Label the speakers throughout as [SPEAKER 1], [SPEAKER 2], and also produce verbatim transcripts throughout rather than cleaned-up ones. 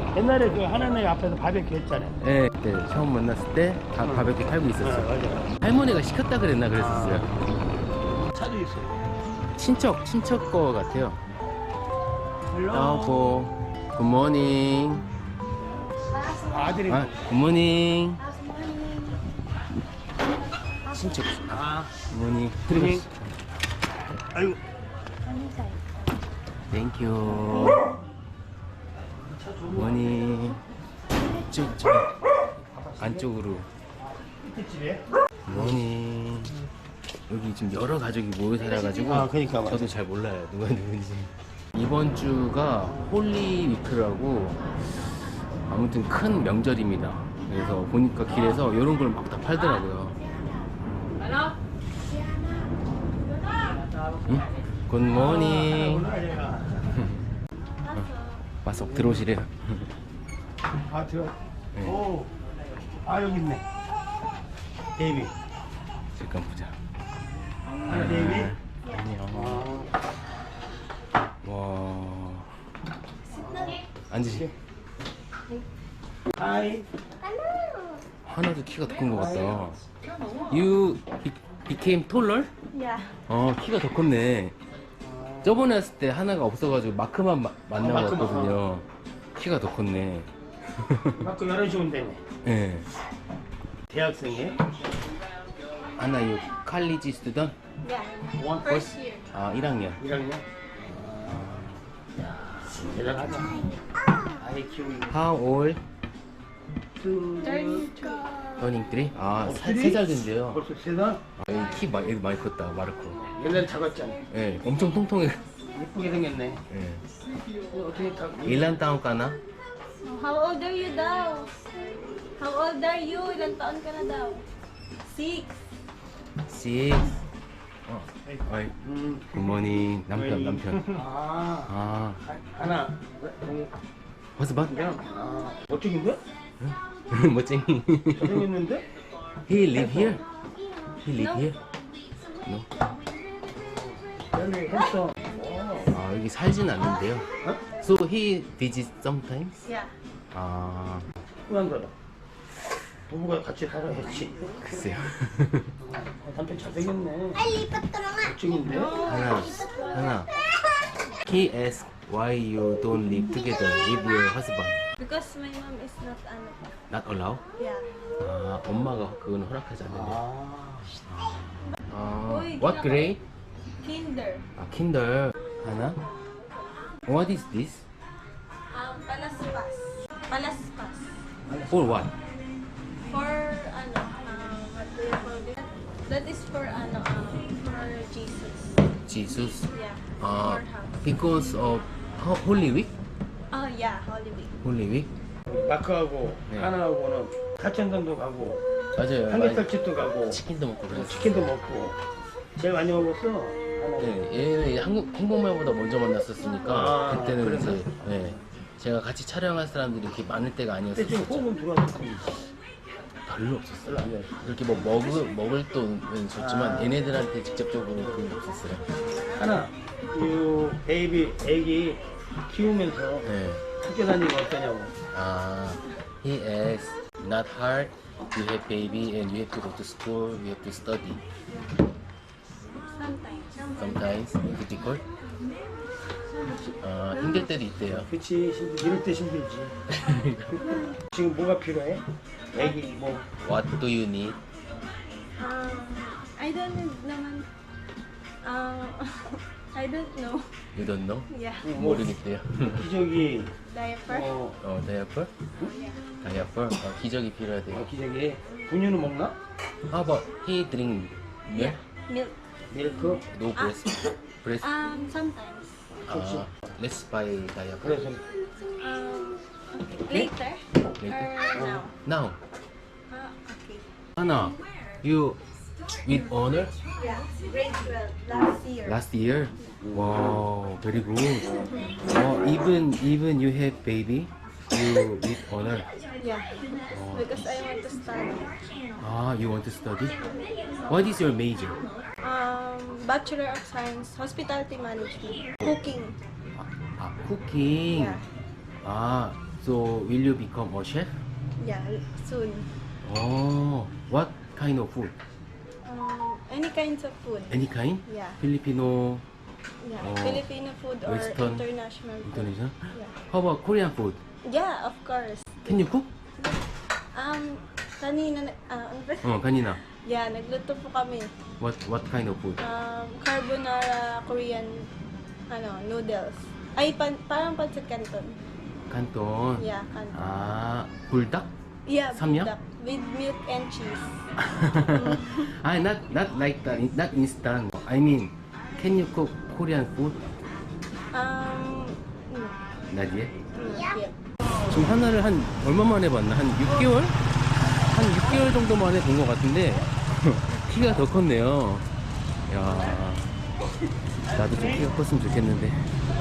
[SPEAKER 1] 옛날에 그 하나네 앞에서 바베큐 했잖아요.
[SPEAKER 2] 네, 그때 처음 만났을 때 다
[SPEAKER 1] 응.
[SPEAKER 2] 바베큐 팔고
[SPEAKER 1] 네,
[SPEAKER 2] 있었어요.
[SPEAKER 1] 맞아요.
[SPEAKER 2] 할머니가 시켰다 그랬나 그랬었어요.
[SPEAKER 1] 아, 차도 있어요.
[SPEAKER 2] 친척, 친척 거 같아요.
[SPEAKER 1] 헬로.
[SPEAKER 2] 여보, 굿모닝.
[SPEAKER 1] 아들이.
[SPEAKER 2] 아, 굿모닝. 친척.
[SPEAKER 1] 아,
[SPEAKER 2] 굿모닝.
[SPEAKER 1] 굿모닝. 아이고.
[SPEAKER 2] 땡큐. 굿모닝. 쭉, 쭉. 안쪽으로.
[SPEAKER 1] 밑에 집에?
[SPEAKER 2] 굿모닝. 여기 지금 여러 가족이 모여 살아가지고
[SPEAKER 1] 아, 그러니까
[SPEAKER 2] 저도 잘 몰라요 누가 누군지. 이번 주가 홀리 위크라고 아무튼 큰 명절입니다. 그래서 보니까 길에서 이런 걸 막 다 팔더라고요. 응? 굿모닝. 와서 들어오시래요.
[SPEAKER 1] 아, 들어.
[SPEAKER 2] 네.
[SPEAKER 1] 오. 아, 여기 있네. 데이비.
[SPEAKER 2] 잠깐 보자.
[SPEAKER 1] 아, 데이비.
[SPEAKER 2] 안녕.
[SPEAKER 1] 아.
[SPEAKER 2] 와. 앉으시.
[SPEAKER 1] 하이.
[SPEAKER 2] 하나도 키가 더 큰 것 같다. You be- became taller?
[SPEAKER 3] Yeah.
[SPEAKER 2] 어, 키가 더 컸네. 저번에 왔을 때 하나가 없어가지고 마크만 마- 만나고
[SPEAKER 1] 어, 마크만.
[SPEAKER 2] 왔거든요. 키가 더 컸네.
[SPEAKER 1] 맞고 열한 시 온다네.
[SPEAKER 2] 예. 네.
[SPEAKER 1] 대학생이에요?
[SPEAKER 2] 하나, 요 칼리지 스튜던?
[SPEAKER 3] Yeah.
[SPEAKER 1] 원
[SPEAKER 3] First year.
[SPEAKER 2] 아, 일 학년.
[SPEAKER 1] 일 학년? 대단하다. 아이 키우기.
[SPEAKER 2] How old?
[SPEAKER 3] Third.
[SPEAKER 2] Turning three? 아,
[SPEAKER 1] 어,
[SPEAKER 2] 세,
[SPEAKER 1] three?
[SPEAKER 2] 세 살 된대요.
[SPEAKER 1] 벌써 세 살?
[SPEAKER 2] 아, 여기 키 많이, 여기 많이 컸다, 마르코.
[SPEAKER 1] 옛날에 작았잖아.
[SPEAKER 2] 예, 네, 엄청 통통해.
[SPEAKER 1] 예쁘게 생겼네.
[SPEAKER 2] 예.
[SPEAKER 1] 이거 어떻게 딱.
[SPEAKER 2] 일란 다운 까나?
[SPEAKER 3] How old are you daw? How old are you? Ilang taon ka na daw? Six.
[SPEAKER 2] Six. 어, 어이,
[SPEAKER 1] 음.
[SPEAKER 2] 굿모닝. 남편, 남편.
[SPEAKER 1] 아.
[SPEAKER 2] 아,
[SPEAKER 1] 하나. 응.
[SPEAKER 2] 허스반?
[SPEAKER 1] 그냥. 아. 멋쟁인데?
[SPEAKER 2] 멋쟁이.
[SPEAKER 1] 잘생겼는데?
[SPEAKER 2] He live here? He live here? No?
[SPEAKER 1] 여기 했어.
[SPEAKER 2] 아, 여기 살진 않는데요.
[SPEAKER 1] 어?
[SPEAKER 2] So he visits sometimes?
[SPEAKER 3] Yeah.
[SPEAKER 2] 아,
[SPEAKER 1] 후한 거다. 부부가 같이 살아야지.
[SPEAKER 2] 글쎄요.
[SPEAKER 1] 아, 남편 잘생겼네.
[SPEAKER 3] Ay, lipat ka na nga.
[SPEAKER 1] 멋쟁인데?
[SPEAKER 2] 하나, 하나. He asks why you don't live together with your husband.
[SPEAKER 3] Because my mom is not ano pa.
[SPEAKER 2] Not allow?
[SPEAKER 3] Yeah.
[SPEAKER 2] 아, 엄마가 그건 허락하지 않는데.
[SPEAKER 1] 아.
[SPEAKER 2] 아,
[SPEAKER 3] Uy,
[SPEAKER 2] what
[SPEAKER 3] ginaka-
[SPEAKER 2] grade?
[SPEAKER 3] Kinder.
[SPEAKER 2] 아, 킨들. 하나? What is this?
[SPEAKER 3] Um, palaspas. Palaspas.
[SPEAKER 2] For what?
[SPEAKER 3] For ano, um, what do you call this? That is for ano, um, for Jesus.
[SPEAKER 2] Jesus.
[SPEAKER 3] Yeah.
[SPEAKER 2] 아,
[SPEAKER 3] For house.
[SPEAKER 2] because of ho- Holy Week?
[SPEAKER 3] Oh yeah, Holy Week.
[SPEAKER 2] Holy Week?
[SPEAKER 1] 마크하고
[SPEAKER 2] 네.
[SPEAKER 1] 하나하고는 사천당도 가고
[SPEAKER 2] 맞아요.
[SPEAKER 1] 삼겹살집도 가고
[SPEAKER 2] 치킨도 먹고 그랬어.
[SPEAKER 1] 치킨도 먹고 제일 많이 먹었어. 하나.
[SPEAKER 2] 네, 얘는 한국 행복말보다 먼저 만났었으니까
[SPEAKER 1] 아,
[SPEAKER 2] 그때는
[SPEAKER 1] 그랬나?
[SPEAKER 2] 이제 네, 제가 같이 촬영할 사람들이 이렇게 많을 때가
[SPEAKER 1] 그때 좀
[SPEAKER 2] 아니었었죠.
[SPEAKER 1] 호흡은 들어왔어.
[SPEAKER 2] 별로 없었어요.
[SPEAKER 1] 별로 안 돼.
[SPEAKER 2] 그렇게 뭐 먹을 먹을 돈은 줬지만
[SPEAKER 1] 아.
[SPEAKER 2] 얘네들한테 직접적으로 그런 게 없었어요.
[SPEAKER 1] 하나, 이 베이비 애기 키우면서
[SPEAKER 2] 네.
[SPEAKER 1] 학교 다니는 거 어떠냐고.
[SPEAKER 2] 아, he asks, not hard. You have baby and you have to go to school. You have to study.
[SPEAKER 3] Sometimes.
[SPEAKER 2] Sometimes difficult. 아, 힘들 때도 있대요.
[SPEAKER 1] 그치, 힘들, 이럴 때 힘들지. 지금 뭐가 필요해? 애기 뭐.
[SPEAKER 2] What do you need?
[SPEAKER 3] Um, I don't know naman. Um, I don't know.
[SPEAKER 2] You don't know?
[SPEAKER 3] Yeah.
[SPEAKER 1] 뭐
[SPEAKER 2] 모르겠대요.
[SPEAKER 1] 기저귀,
[SPEAKER 3] Diaper?
[SPEAKER 1] 어,
[SPEAKER 2] 어, 다이어퍼? 다이어퍼? 어, 기저귀 필요하대요.
[SPEAKER 1] 어, 기저귀. 분유는 먹나?
[SPEAKER 2] How about he drink milk?
[SPEAKER 3] Milk.
[SPEAKER 1] 밀크?
[SPEAKER 2] No breast? breast?
[SPEAKER 3] Um, sometimes.
[SPEAKER 2] 아, let's buy diaper.
[SPEAKER 1] 그래서
[SPEAKER 3] Um, okay. Later?
[SPEAKER 2] Later.
[SPEAKER 3] Or now?
[SPEAKER 2] Now,
[SPEAKER 3] Ah, okay.
[SPEAKER 2] Anna, you with honor
[SPEAKER 3] Yeah. Grade twelve. Last year.
[SPEAKER 2] last year? Wow, very good. Oh, even even you have baby, you with honor.
[SPEAKER 3] Yeah. Because I want to study.
[SPEAKER 2] Ah, you want to study? What is your major?
[SPEAKER 3] Um, Bachelor of Science, Hospitality Management, Cooking.
[SPEAKER 2] 아, cooking.
[SPEAKER 3] Yeah.
[SPEAKER 2] 아, So will you become a chef?
[SPEAKER 3] Yeah, soon.
[SPEAKER 2] Oh, what kind of food?
[SPEAKER 3] Um, any kinds of food.
[SPEAKER 2] Any kind?
[SPEAKER 3] Yeah.
[SPEAKER 2] Filipino,
[SPEAKER 3] Yeah,
[SPEAKER 2] Oh,
[SPEAKER 3] Filipino food or
[SPEAKER 2] Western,
[SPEAKER 3] international food.
[SPEAKER 2] Indonesian?
[SPEAKER 3] Yeah.
[SPEAKER 2] How about Korean food?
[SPEAKER 3] Yeah, of course.
[SPEAKER 2] Can you cook?
[SPEAKER 3] Um, kanina, na- ah, ano ba?
[SPEAKER 2] Oh, kanina.
[SPEAKER 3] Yeah, nagluto po kami.
[SPEAKER 2] What what kind of food?
[SPEAKER 3] Um, carbonara Korean, ano, noodles. Ay, pan, parang pancit canton.
[SPEAKER 2] Canton.
[SPEAKER 3] Yeah, canton.
[SPEAKER 2] 아, 불닭?
[SPEAKER 3] Yeah,
[SPEAKER 2] samyang?
[SPEAKER 3] buldak. With milk and cheese.
[SPEAKER 2] ah, not not like that. Not instant. I mean, can you cook Korean food?
[SPEAKER 3] Um, no,
[SPEAKER 2] Not yet.
[SPEAKER 3] not yet.
[SPEAKER 2] 지금 하나를 한 얼마 만에 봤나? 한 육 개월? 한 육 개월 정도 만에 본 것 같은데 키가 더 컸네요. 야, 나도 좀 키가 컸으면 좋겠는데.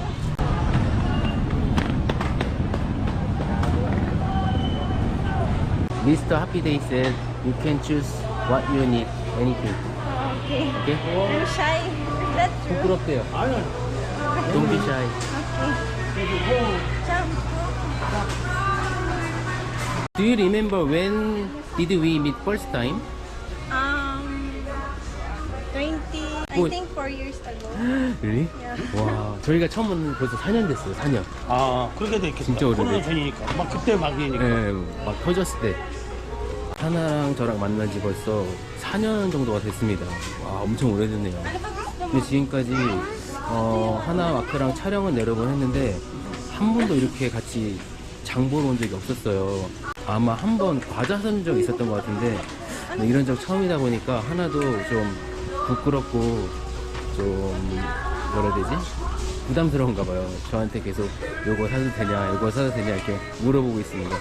[SPEAKER 2] 미스터 Happy Day said you can choose what you need, anything.
[SPEAKER 3] Okay.
[SPEAKER 2] Okay?
[SPEAKER 3] I'm shy. Is that true?
[SPEAKER 2] 부끄럽대요.
[SPEAKER 1] 아니,
[SPEAKER 2] Don't be shy.
[SPEAKER 3] Okay. Jump.
[SPEAKER 2] Do you remember when did we meet first time?
[SPEAKER 3] Um, twenty, I
[SPEAKER 2] Wait.
[SPEAKER 3] think four years ago.
[SPEAKER 2] Really?
[SPEAKER 3] Yeah.
[SPEAKER 2] 와, 저희가 처음 만난 벌써 사 년 됐어요. 사 년.
[SPEAKER 1] 아, 그렇게 됐겠다.
[SPEAKER 2] 진짜 오래됐지.
[SPEAKER 1] 코로나 전이니까. 막 그때 막이니까.
[SPEAKER 2] 예, 막 터졌을 때. 하나랑 저랑 만난 지 벌써 사 년 정도가 됐습니다. 와, 엄청 오래됐네요. 근데 지금까지 어, 하나 마크랑 촬영은 여러 번 했는데 한 번도 이렇게 같이 장 보러 온 적이 없었어요. 아마 한 번 과자 산 적 있었던 것 같은데 뭐 이런 적 처음이다 보니까 하나도 좀 부끄럽고 좀 뭐라 해야 되지? 부담스러운가 봐요. 저한테 계속 요거 사도 되냐, 요거 사도 되냐 이렇게 물어보고 있습니다.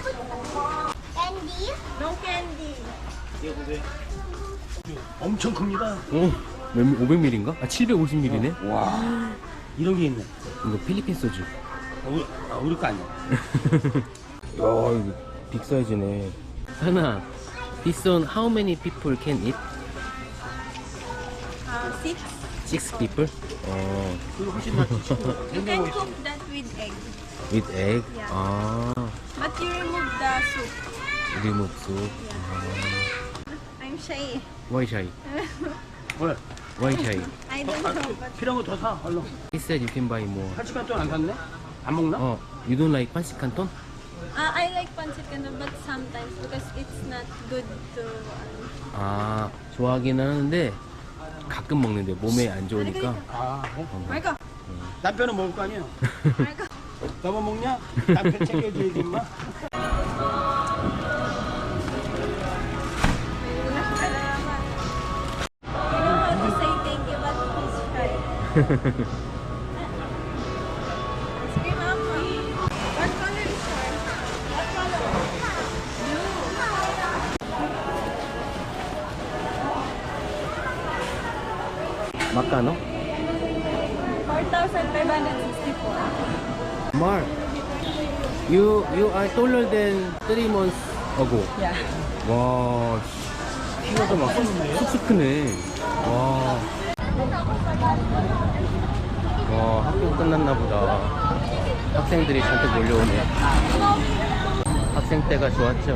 [SPEAKER 3] No candy.
[SPEAKER 1] 이게 보세요. 엄청 큽니다.
[SPEAKER 2] 오, 오백 밀리리터인가? 아, 칠백오십 밀리리터네?
[SPEAKER 1] 와, 이런 게 있네.
[SPEAKER 2] 이거 필리핀 소주.
[SPEAKER 1] 아, 우리, 아, 우리 거 아니야.
[SPEAKER 2] 야, 이거 빅 사이즈네. 하나, this one how many people can eat?
[SPEAKER 3] Uh, six.
[SPEAKER 2] Six people? 어,
[SPEAKER 1] 그거 훨씬 낫지.
[SPEAKER 3] You can
[SPEAKER 1] 냉장고에 있어.
[SPEAKER 3] cook that with egg.
[SPEAKER 2] with egg?
[SPEAKER 3] Yeah.
[SPEAKER 2] 아,
[SPEAKER 3] But you remove the soup.
[SPEAKER 2] remove soup.
[SPEAKER 3] I'm shy.
[SPEAKER 2] Why shy?
[SPEAKER 1] 왜?
[SPEAKER 2] Why shy?
[SPEAKER 3] I don't
[SPEAKER 1] 아,
[SPEAKER 3] know, but
[SPEAKER 1] 필요한 거 더 사, 얼른.
[SPEAKER 2] He said you can buy more.
[SPEAKER 1] 한 시간 동안 안 샀네? 안 먹나?
[SPEAKER 2] 어, you don't like 판식 칸톤?
[SPEAKER 3] uh, I like pancit canton, but sometimes because it's not good to. Uh,
[SPEAKER 2] 아, 좋아하긴 하는데 가끔 먹는데 몸에 안 좋으니까.
[SPEAKER 1] 아, 그래?
[SPEAKER 3] Marco,
[SPEAKER 1] 남편은 먹을 거 아니야?
[SPEAKER 3] Marco.
[SPEAKER 1] 너만 먹냐? 남편 챙겨줘야지, 임마.
[SPEAKER 3] You know how to say thank you, but he's shy. Ice cream apple. What color is yours? What color?
[SPEAKER 2] 마카노?
[SPEAKER 3] four thousand five hundred sixty-four.
[SPEAKER 2] Mark, you you are taller than three months ago.
[SPEAKER 3] Yeah.
[SPEAKER 2] 와, 씨, 키가 막 쑥쑥 크네. 와, 와, 학교 끝났나 보다. 학생들이 잔뜩 몰려오네. 학생 때가 좋았죠.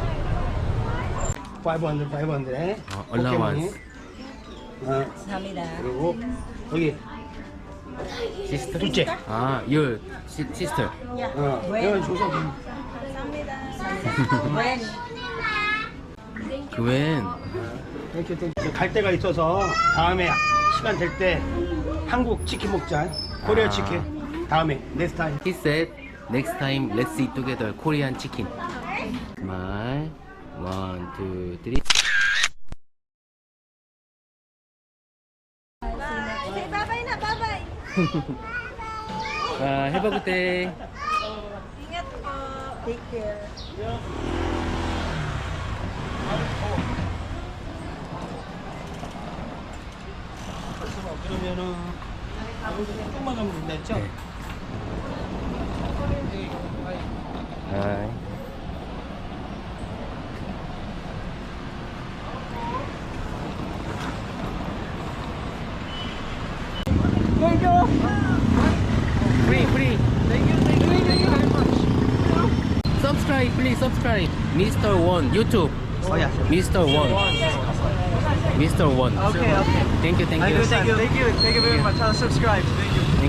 [SPEAKER 1] 오백일, 오백일.
[SPEAKER 2] 아, allowance.
[SPEAKER 1] 어,
[SPEAKER 3] 감사합니다.
[SPEAKER 1] 그리고 여기
[SPEAKER 2] 시스터?
[SPEAKER 1] 둘째.
[SPEAKER 2] 아, your si- sister.
[SPEAKER 3] Yeah.
[SPEAKER 1] 어, 이건 줘서
[SPEAKER 3] 감사합니다.
[SPEAKER 2] 그웬.
[SPEAKER 1] 이렇게 또 갈 데가 있어서 다음에 시간 될 때 한국 치킨 먹자. 코리아
[SPEAKER 2] 아.
[SPEAKER 1] 치킨. 다음에 next time.
[SPEAKER 2] He said, next time let's eat together Korean chicken. Smile. One, two, three.
[SPEAKER 3] Bye. Say bye-bye na, bye-bye.
[SPEAKER 2] Uh, have a good day.
[SPEAKER 3] Ingat po. Take care.
[SPEAKER 1] 그러면은 조금만 가면 된다 했죠?
[SPEAKER 2] 네. Hi. Free, free.
[SPEAKER 1] Thank you, thank you, thank you very much.
[SPEAKER 2] subscribe, please subscribe. Mister Won YouTube.
[SPEAKER 4] Oh yeah.
[SPEAKER 2] Mister Won. Mister Won.
[SPEAKER 4] Okay, okay.
[SPEAKER 2] Thank you, thank
[SPEAKER 4] Thank
[SPEAKER 2] you.
[SPEAKER 4] you, thank you, thank you, thank you very much. I'll subscribe. Thank you.